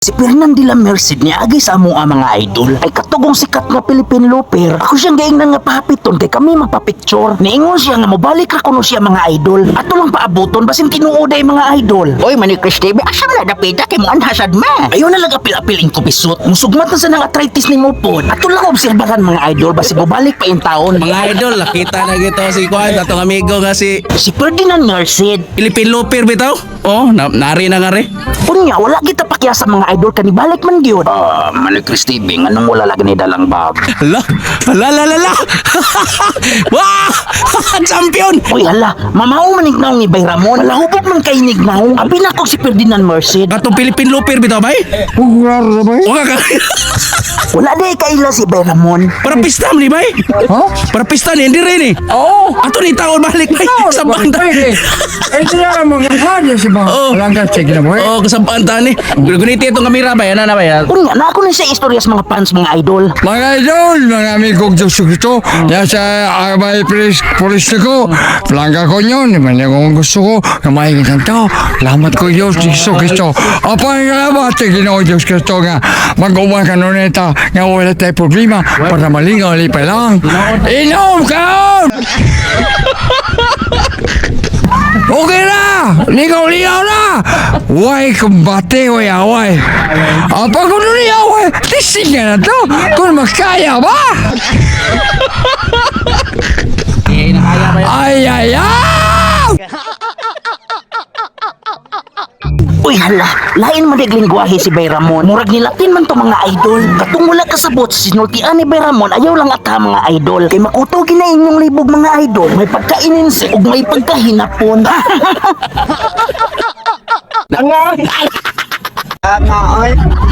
Si Fernandila Merced niya agi sa amo ang mga idol ay katugong sikat nga Philippine Looper. Ako siyang gaingnan nga pahapiton kay kami magpa-picture. Niingon siya nga mobalik ra kuno siya mga idol. Ato lang paabuton basin tinuoday mga idol. Oy Manny Chris TV, asa na dapita kay mo anhasad ma. Ayo na lang apil-apil ko pisot. Musugmat na sa nang arthritis ni mo pod. Ato lang obserbahan mga idol basin mobalik pa in taon. Mga idol, nakita na gito si Kwan, atong amigo nga si Si Ferdinand Merced. Philippine Looper bitaw. Oh, nari na nga rin. Unya wala kita pakya sa mga idol kanibalik man gyud. Manny Chris TV, nganong wala lagi ni dalang bab. Hala, hala. Wah! Champion! Uy hala, mamao man ignaw ni Bay Ramon. Malahubog man kay nignaw. Abi na ko si Ferdinand Merced. Atong Philippine Looper bitaw bay? O ka Wala day kaila si Bay Ramon. para pista mo ni bay? Para pista ni, hindi rin eh. Oo. Ato ni taon balik bay. Sa banda. Eh, sila mga hadya si ba? Oo. Walang kasi na mo eh. Oh, kasabaan ta ni. Guniti itong kamera bay, ano na bay? Unya na ako na sa istorya sa mga fans mga idol. Mga idol, mga amigong Diyos Cristo, nasa Arbay Police ko, plangga ko yun, naman yung gusto ko, na maingin tao, lamat ko Diyos Cristo. Apa nga ba, Ginoo Diyos Cristo nga, mag-uwan ka nun ito, nga wala tayo problema, para malingaw lipay lang. Inom ka! Okay na! Ligaw-ligaw na! Way kumbate, way away. Apa ko nun away? Tising ka na to! Kung makaya ba? Ay, ay, ay! Uy hala, lain man lingwahe si Bay Ramon. Murag ni Latin man to mga idol. Katong wala kasabot sa sinultian ni Bay Ramon, ayaw lang ata mga idol. Kay makuto gina inyong libog mga idol. May pagkaininsi ug may pagkahinapon. Nga, oy.